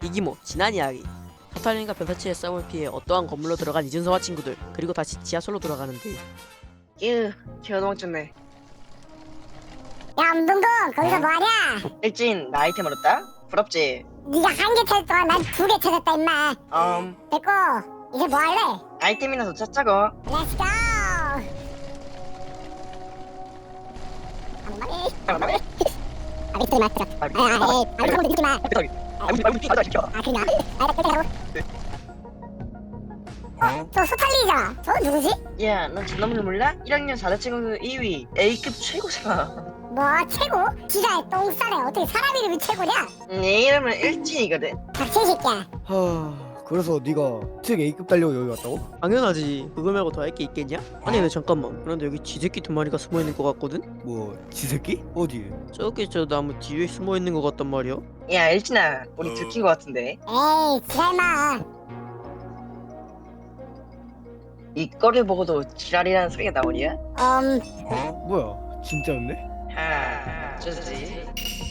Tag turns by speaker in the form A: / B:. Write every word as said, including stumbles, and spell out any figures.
A: 이기모 지난 이야기. 서탈린과 변사치의 싸움을 피해 어떠한 건물로 들어간 이준서와 친구들, 그리고 다시 지하철로 돌아가는데
B: 으, 개도망쳤네.
C: 야 운동동 거기서 뭐하냐?
B: 일진 나 아이템 얻었다? 부럽지?
C: 네가 한 개 찾을 동안 난 두 개 찾았다 임마.
B: 음
C: 됐고 이제 뭐할래?
B: 아이템이나 더 찾자고.
C: 렛츠고.
B: 잠깐만.
C: 아 밑에 맞더라. 아아 에이 아무 믿지 마.
B: 아 우리 말고 뛰어가자 시켜.
C: 아 그냥 아나 뺄게 하고. 어? 저 소탈리잖아. 저 누구지?
B: 야, 넌 전화번호 몰라? 일 학년 사 대 친구 이 위 A급 최고잖아.
C: 뭐 최고? 기자에 똥 싸네. 어떻게 사람 이름이 최고냐?
B: 내 이름은 일진이거든.
C: 닥친 새끼야.
D: 하... 그래서 네가 특 A급 달려고 여기 왔다고?
A: 당연하지. 그거 말고 더 할 게 있겠냐? 아니 근데 잠깐만, 그런데 여기 쥐새끼 두 마리가 숨어있는 것 같거든?
D: 뭐 지새끼? 어디?
A: 저기 저 나무 뒤에 숨어있는 것 같단 말이야.
B: 야, 일진아, 우리 들킨 거 같은데.
C: 에이 지랄마.
B: 이 꼴을 보고도 지랄이라는 소리가 나오냐?
C: 음
D: 뭐야 진짜였네?
B: 하, 좋지.